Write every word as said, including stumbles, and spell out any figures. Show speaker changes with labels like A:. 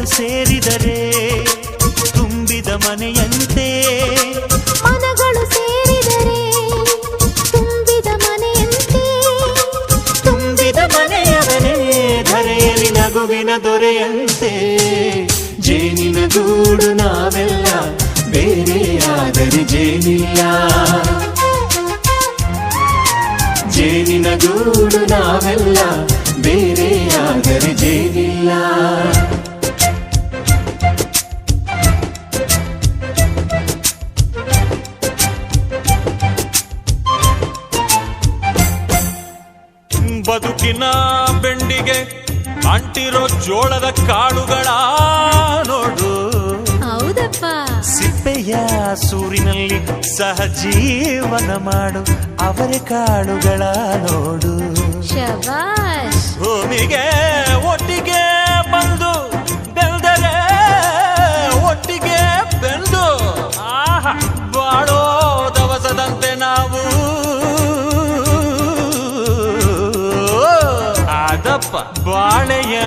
A: ಸೇರಿದರೆ ತುಂಬಿದ ಮನೆಯಂತೆ
B: ಮನಗಳು ಸೇರಿದರೆ ತುಂಬಿದ ಮನೆಯಂತೆ
A: ತುಂಬಿದ ಮನೆಯವನೇ ಧರೆಯಲ್ಲಿ ನಗುವಿನ ದೊರೆಯಂತೆ ಜೇನಿನ ಗೂಡು ನಾವೆಲ್ಲ ಬೇರೆಯಾದರೆ ಜೇನಿಲ್ಲ ಜೇನಿನ ಗೂಡು ನಾವೆಲ್ಲ ಬೇರೆಯಾದರೆ ಜೇನಿಲ್ಲ ಬದುಕಿನ ಬೆಂಡಿಗೆ ಅಂಟಿರೋ ಜೋಳದ ಕಾಳುಗಳ ನೋಡು
B: ಹೌದಪ್ಪ
A: ಸಿಪ್ಪೆಯ ಸೂರಿನಲ್ಲಿ ಸಹಜೀವನ ಮಾಡು ಅವರೆ ಕಾಳುಗಳ ನೋಡು
B: ಶಬಾಷ್
A: ಭೂಮಿಗೆ ಒಟ್ಟಿಗೆ ಬಂದು ಬೆಳೆದರೆ ಒಟ್ಟಿಗೆ ಬೆಂದು ಆಹಾ ಬಾಳೋ ದವಸದಂತೆ ನಾವು ಆದಪ್ಪ ಬಾಳೆಯ